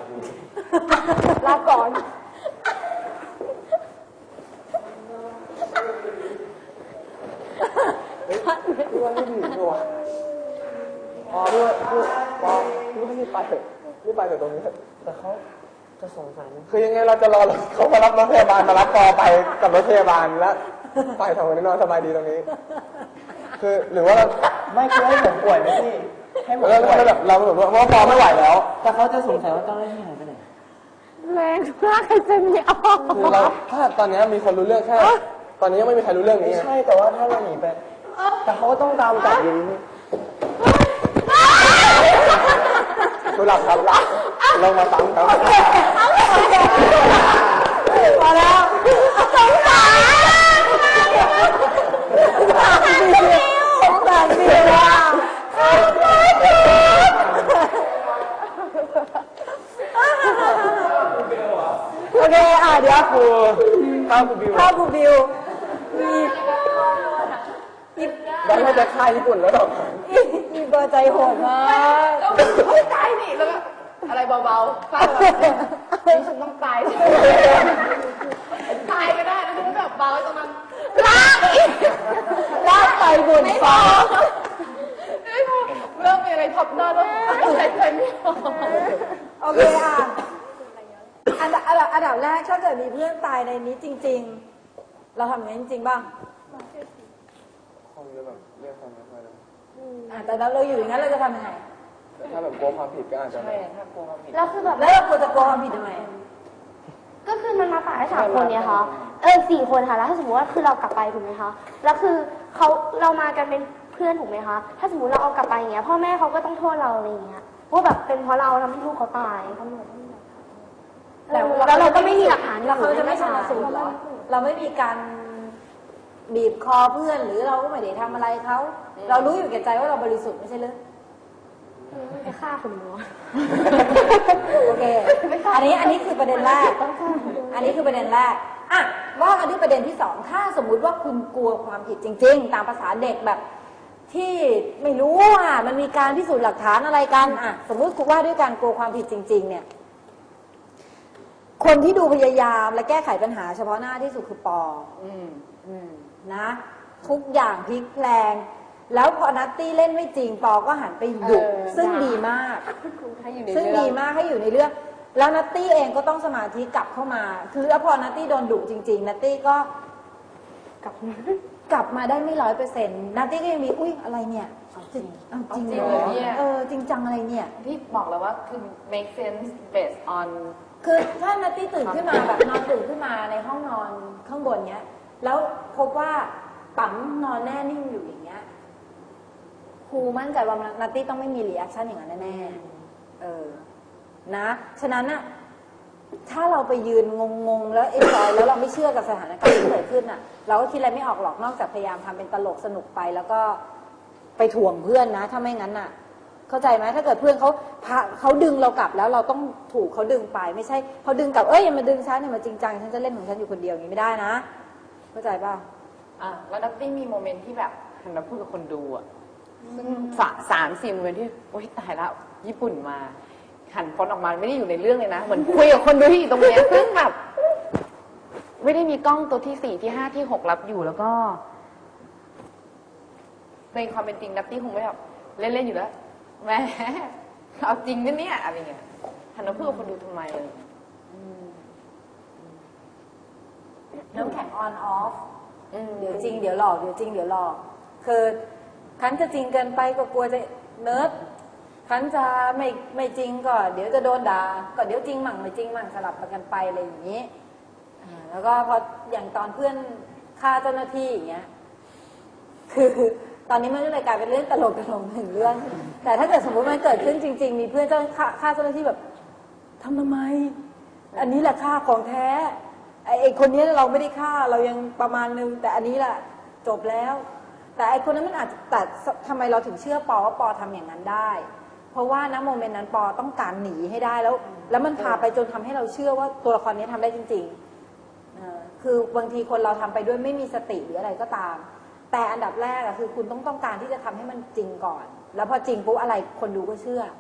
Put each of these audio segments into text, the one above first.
ลาก่อนพี่ว่าไม่ดีด้วยอ๋อพี่ไม่ไปเถอะไม่ไปเถอะตรงนี้แต่เขาจะสงสัยคือยังไงเราจะรอเขามารับรถพยาบาลมารับปอไปกับรถพยาบาลแล้วไปทำคนนี้นอนสบายดีตรงนี้คือหรือว่าไม่คือให้ผมป่วยไหมพี่ให้ผมป่วยแบบเราแบบว่าปอไม่ไหวแล้วแต่เขาจะสงสัยว่าเจ้าหน้าที่หายไปไหนแรงมากใครจะมีออกคือเราถ้าตอนนี้มีคนรู้เรื่องแค่ตอนนี้ยังไม่มีใครรู้เรื่องนี้ใช่แต่ว่าถ้าเราหนีไปแต่เขาก็ต้องตามจับอยู่ดูหลับครับหลับลงมาซ้ำครับพอแล้วสงสารบิวอ่ะโอเคเดี๋ยวข้าวกูบิวได้จะค่ายญี่ปุ่นแล้วหรอมีเบอร์ใจโหดมากตายนี่แล้วอะไรเบาๆฟังแบบนี่ฉันต้องตายตายก็ได้นะคือแบบเบาตรงนั้นลากไปบนฟ้าเริ่มมีอะไรทับหน้าแล้วใจไม่ออกโอเคอันดับแรกถ้าเกิดมีเพื่อนตายในนี้จริงๆเราทำอย่างนี้จริงๆบ้างคงจะแบบเรียกความไม่ค่อยได้แต่เราอยู่อย่างนั้นเราจะทำยังไงถ้าแบบกลัวความผิดก็อาจจะใช่ถ้ากลัวความผิดแล้วคือแบบแล้วเราควรจะกลัวความผิดทำไมก็คือมันมาตาย3 คนเนี่ยค่ะ4 คนค่ะแล้วถ้าสมมติว่าคือเรากลับไปถูกไหมคะแล้วคือเรามากันเป็นเพื่อนถูกไหมคะถ้าสมมติเราเอากลับไปอย่างเงี้ยพ่อแม่เขาก็ต้องโทษเราอะไรอย่างเงี้ยว่าแบบเป็นเพราะเราทำให้ลูกเขาตายแล้วเราก็ไม่มีหลักฐานแล้วเขาจะไม่ชันสูตรหรอเราไม่มีการบีบคอเพื่อนหรือเราก็ไม่ได้ทำอะไรเขาเรารู้อยู่แก่ใจว่าเราบริสุทธิ์ไม่ใช่หรือไปฆ่าคนหนูโอเคอันนี้คือประเด็นแรกอันนี้คือประเด็นแรกว่ากันที่ประเด็นที่2ถ้าสมมุติว่าคุณกลัวความผิดจริงๆตามภาษาเด็กแบบที่ไม่รู้มันมีการพิสูจน์หลักฐานอะไรกันสมมุติคุณว่าด้วยการกลัวความผิดจริงๆเนี่ยคนที่ดูพยายามและแก้ไขปัญหาเฉพาะหน้าที่สุดคือปอนะทุกอย่างพลิกแพลงแล้วพอนัตตี้เล่นไม่จริงปอก็หันไปดุซึ่งดีมากให้อยู่ในเรื่องแล้วนัตตี้เองก็ต้องสมาธิกลับเข้ามาคือแล้วพอนัตตี้โดนดุจริงๆนัตตี้ก็กลับมาได้ไม่100%นัตตี้ก็ยังมีอุ้ยอะไรเนี่ยจริงเหรอจริงจังอะไรเนี่ยที่บอกแล้วว่าคือ make sense based on คือถ้านัตตี้ตื่นขึ้นมาแบบนอนตื่นขึ้นมาในห้องนอนข้างบนเนี้ยแล้วพบว่าปั๊มนอนแน่นิ่งอยู่อย่างเงี้ยครูมั่นใจว่านัตตี้ต้องไม่มีรีแอคชั่นอย่างนั้นแน่ๆนะฉะนั้นน่ะถ้าเราไปยืนงงๆแล้วเอ็นจอยแล้วเราไม่เชื่อกับสถานการณ์ที่เกิดขึ้นน่ะเราก็คิดอะไรไม่ออกหรอกนอกจากพยายามทำเป็นตลกสนุกไปแล้วก็ไปถ่วงเพื่อนนะถ้าไม่งั้นน่ะเข้าใจไหมถ้าเกิดเพื่อนเขาดึงเรากลับแล้วเราต้องถูกเขาดึงไปไม่ใช่เขาดึงกลับอย่ามาดึงฉันเนี่ยมาจริงจังฉันจะเล่นของฉันอยู่คนเดียวอย่างนี้ไม่ได้นะเข้าใจป่ะแล้วนัตตี้มีโมเมนต์ที่แบบหันมาพูดกับคนดูซึ่ง3-4โมเมนต์ที่โอ๊ยตายแล้วญี่ปุ่นมาหันฟอนออกมาไม่ได้อยู่ในเรื่องเลยนะเหมือนคุยกับคนดูที่อยู่ตรงนี้ซึ่งแบบไม่ได้มีกล้องตัวที่4ที่5ที่6รับอยู่แล้วก็ในความเป็นจริงนัตตี้คงไม่แบบเล่นๆอยู่แล้วแหมเอาจริงนะเนี่ยอะไรเงี้ยหันมาพูดกับคนดูทำไมเลยน้ำแข็งออนออฟเดี๋ยวจริงเดี๋ยวหลอกเดี๋ยวจริงเดี๋ยวหลอกคือคันจะจริงเกินไปก็กลัวจะเนิร์ดคันจะไม่จริงก็เดี๋ยวจะโดนด่าก็เดี๋ยวจริงมั่งไม่จริงมั่งสลับกันไปอะไรอย่างนี้แล้วก็พออย่างตอนเพื่อนฆ่าเจ้าหน้าที่อย่างเงี้ยคือตอนนี้มันก็เลยกลายเป็นเรื่องตลกหนึ่งเรื่องแต่ถ้าเกิดสมมติมันเกิดขึ้นจริงๆมีเพื่อนฆ่าเจ้าหน้าที่แบบทำไมอันนี้แหละฆ่าของแท้ไอ้คนนี้เราไม่ได้ฆ่าเรายังประมาณนึงแต่อันนี้แหละจบแล้วแต่ไอ้คนนั้นมันอาจจะแต่ทำไมเราถึงเชื่อปอว่าปอทำอย่างนั้นได้เพราะว่าณโมเมนต์นั้นปอต้องการหนีให้ได้แล้วมันพาไปจนทำให้เราเชื่อว่าตัวละครนี้ทำได้จริงๆคือบางทีคนเราทำไปด้วยไม่มีสติหรืออะไรก็ตามแต่อันดับแรกคือคุณต้องการที่จะทำให้มันจริงก่อนแล้วพอจริงปุ๊บอะไรคนดูก็เชื่อ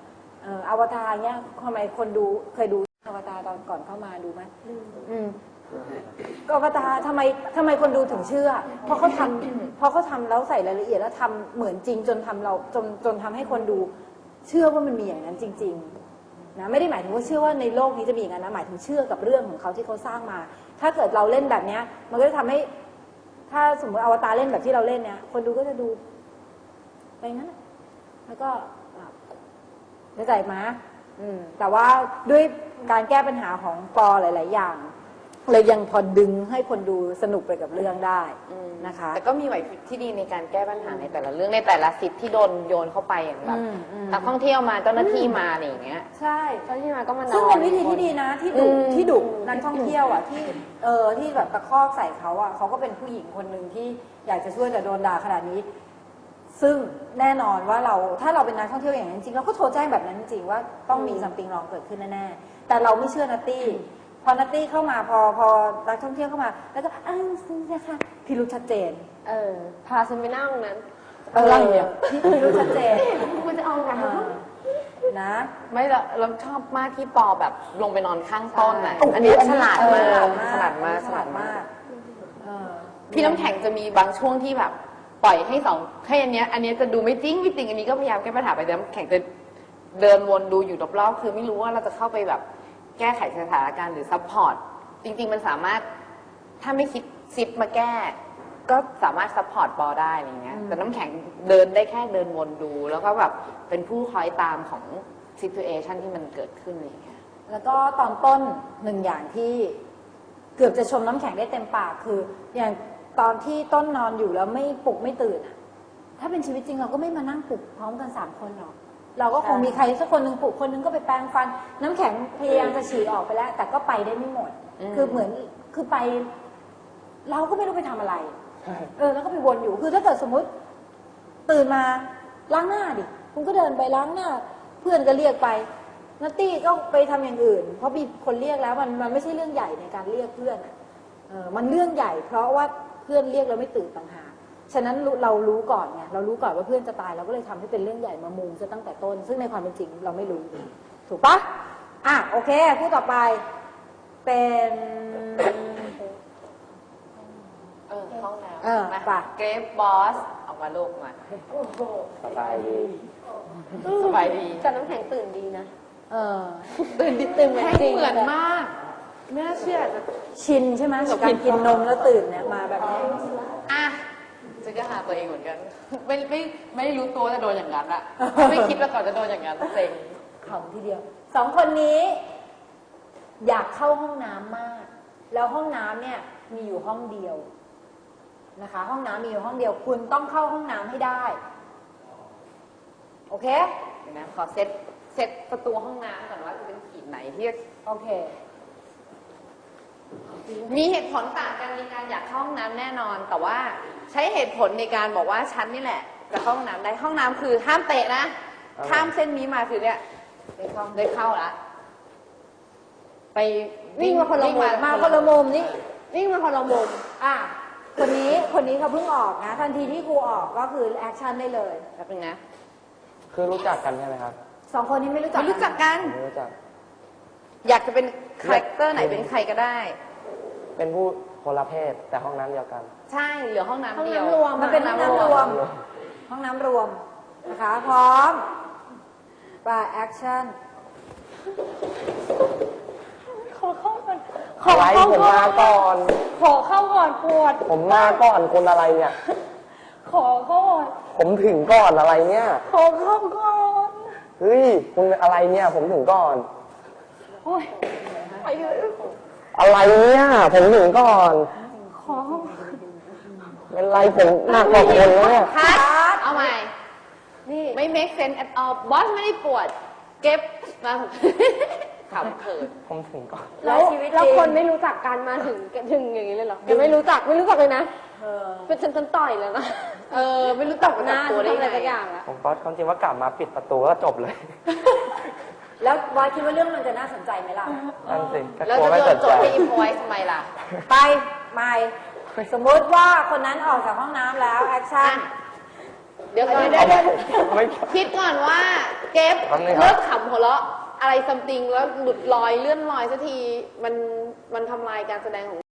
อวตารเนี่ยทำไมคนดูเคยดูอวตารตอนก่อนเข้ามาดูไหมก็อวตารทำไมคนดูถึงเชื่อ เพราะเขาทำแล้วใส่รายละเอียดแล้วทำเหมือนจริงจนทำให้คนดูเชื่อว่ามันมีอย่างนั้นจริงๆนะไม่ได้หมายถึงว่าเชื่อว่าในโลกนี้จะมีอย่างนั้นนะหมายถึงเชื่อกับเรื่องของเขาที่เขาสร้างมา ถ้าเกิดเราเล่นแบบเนี้ยมันก็จะทำให้ถ้าสมมติอวตารเล่นแบบที่เราเล่นเนี่ยคนดูก็จะดูไปงั้นแล้วก็เข้าใจไหมแต่ว่าด้วยการแก้ปัญหาของปอหลายๆอย่างเลยยังพอดึงให้คนดูสนุกไปกับเรื่องได้นะคะแต่ก็มีไหวพริบที่ดีในการแก้ปัญหาในแต่ละเรื่องในแต่ละสิทธิ์ที่โดนโยนเข้าไปอย่างแบบนักท่องเที่ยวมาเจ้าหน้าที่มาอะไรอย่างเงี้ยใช่ตอนที่มาก็มานอนซึ่งเป็นวิธีที่ดีนะที่ดุนักท่องเที่ยวอ่ะที่แบบตะคอกใส่เขาอ่ะเขาก็เป็นผู้หญิงคนหนึ่งที่อยากจะช่วยแต่โดนด่าขนาดนี้ ซึ่งแน่นอนว่าถ้าเราเป็นนักท่องเที่ยวอย่างนั้นจริงเราก็โทรแจ้งแบบนั้นจริงว่าต้องมีซัมติงรองเกิดขึ้นแน่ๆแต่เราไม่เชื่อนัตตี้พอนัตตี้เข้ามาพอนักท่องเที่ยวเข้ามาแล้วก็ซื้อนะคะพิรุธชัดเจนพาฉันไปนั่งนั้นอะไรเนี่ยพิรุธชัดเจนคุณจะเอาไงนะไม่ละเราชอบมากที่ปอแบบลงไปนอนข้างต้นน่ะอันนี้ฉลาดมากฉลาดมากพี่น้ำแข็งจะมีบางช่วงที่แบบปล่อยให้ให้อันเนี้ยจะดูไม่จริงอันนี้ก็พยายามแก้ปัญหาไปแต่น้ำแข็งจะเดินวนดูอยู่รอบๆคือไม่รู้ว่าเราจะเข้าไปแบบแก้ไขสถานการณ์หรือซัพพอร์ตจริงๆมันสามารถถ้าไม่คิดซิปมาแก้ก็สามารถซัพพอร์ตปอได้อะไรเงี้ยแต่น้ำแข็งเดินได้แค่เดินวนดูแล้วก็แบบเป็นผู้คอยตามของซิทูเอชันที่มันเกิดขึ้นอะไรเงี้ยแล้วก็ตอนต้นหนึ่งอย่างที่เกือบจะชมน้ำแข็งได้เต็มปากคืออย่างตอนที่ต้นนอนอยู่แล้วไม่ปลุกไม่ตื่นอะถ้าเป็นชีวิตจริงเราก็ไม่มานั่งปลุกพร้อมกัน3 คนหรอกเราก็คงมีใครสักคนหนึ่งปลุกคนหนึงก็ไปแปรงฟันน้ำแข็งพยายามจะฉี่ออกไปแล้ว แต่ก็ไปได้ไม่หมดคือเหมือนคือไปเราก็ไม่รู้ไปทำอะไรแล้วก็ไปวนอยู่คือถ้าเกิดสมมุติตื่นมาล้างหน้าดิคุณก็เดินไปล้างหน้าเพื่อนก็เรียกไปนัตตี้ก็ไปทำอย่างอื่นเพราะมีคนเรียกแล้วมันไม่ใช่เรื่องใหญ่ในการเรียกเพื่อนมันเรื่องใหญ่เพราะว่าเพื่อนเรียกแล้วไม่ตื่นต่างหากฉะนั้นเรารู้ก่อนไงเรารู้ก่อนว่าเพื่อนจะตายเราก็เลยทำให้เป็นเรื่องใหญ่มามุงซะตั้งแต่ต้นซึ่งในความเป็นจริงเราไม่รู้ถูกปะโอเคพูดต่อไปเป็นห้องน้ำไปเกรฟบอสออกมาลูกมาสบายดีแต่น้ำแข็งตื่นดีนะตื่นเหมือนจริงเหมือนมากไม่น่าเชื่อจะชินใช่ไหมกับการกินนมแล้วตื่นเนี่ยมาแบบนี้จะก็หาตัวเองเหมือนกันไม่รู้ตัวจะโดนอย่างนั้นอะไม่คิดว่าก่อนจะโดนอย่างนั้นเซ็งขำทีเดียว2 คนนี้อยากเข้าห้องน้ำมากแล้วห้องน้ำเนี่ยมีอยู่ห้องเดียวนะคะห้องน้ำมีอยู่ห้องเดียวคุณต้องเข้าห้องน้ำให้ได้โอเคเดี๋ยวนะขอเซตประตูห้องน้ำก่อนว่าจะเป็นขีดไหนที่โอเคมีเหตุผลต่างกันในการอยากเข้าห้องน้ำแน่นอนแต่ว่าใช้เหตุผลในการบอกว่าฉันนี่แหละจะเข้าห้องน้ำได้ห้องน้ำคือห้ามเตะนะข้ามเส้นนี้มาคือเนี่ยได้เข้าละไปวิ่งมาคนละมุมมาคนละมุมนี่วิ่งมาคนละมุมคนนี้เขาเพิ่งออกนะทันทีที่ครูออกก็คือแอคชั่นได้เลยแบบนึงนะคือรู้จักกันใช่ไหมครับ 2 คนนี้ไม่รู้จักกันไม่รู้จักอยากจะเป็นคาแรคเตอร์ไหนเป็นใครก็ได้เป็นผู้คนละเพศแต่ห้องน้ำเดียวกันใช่เหลือห้องน้ำเดียวรวมมันเป็นห้องน้ำรวมห้องน้ำรวมนะคะพร้อมไปแอคชั่นขอเข้าก่อนผมมาก่อนขอเข้าก่อนปวดผมมาก่อนคนอะไรเนี่ยขอเข้าก่อนผมถึงก่อนอะไรเนี่ยขอเข้าก่อนเฮ้ยคุณเป็นอะไรเนี่ยผมถึงก่อนโอ้ยไปเลยอะไรเนี่ยผมถึงก่อนขอเป็นไรผมหนักกว่าคนแล้วเนี่ยเอาใหม่นี่ไม่ make sense at all บอสไม่ได้ปวดเก็บมาขำเขินผมถึงก่อนแล้วคนไม่รู้จักกันมาถึงอย่างนี้เลยเหรอยังไม่รู้จักเลยนะเป็นฉันต่อยแล้วนะไม่รู้จักหน้าทำอะไรสักอย่างละผมก็ความจริงว่ากลับมาปิดประตูก็จบเลยแล้ววายคิดว่าเรื่องมันจะน่าสนใจไหมล่ะนั่นสิแล้วจะโดนจบให้อิมพอยทำไมล่ะไปไม่สมมติว่าคนนั้นออกจากห้องน้ำแล้วแอคชั่นเดี๋ยวก่อนไม่คิดก่อนว่าเก็บทำไงครับเลิกขำหัวเราะอะไรซัมติงแล้วหลุดลอยเลื่อนลอยสักทีมันทำลายการแสดงของ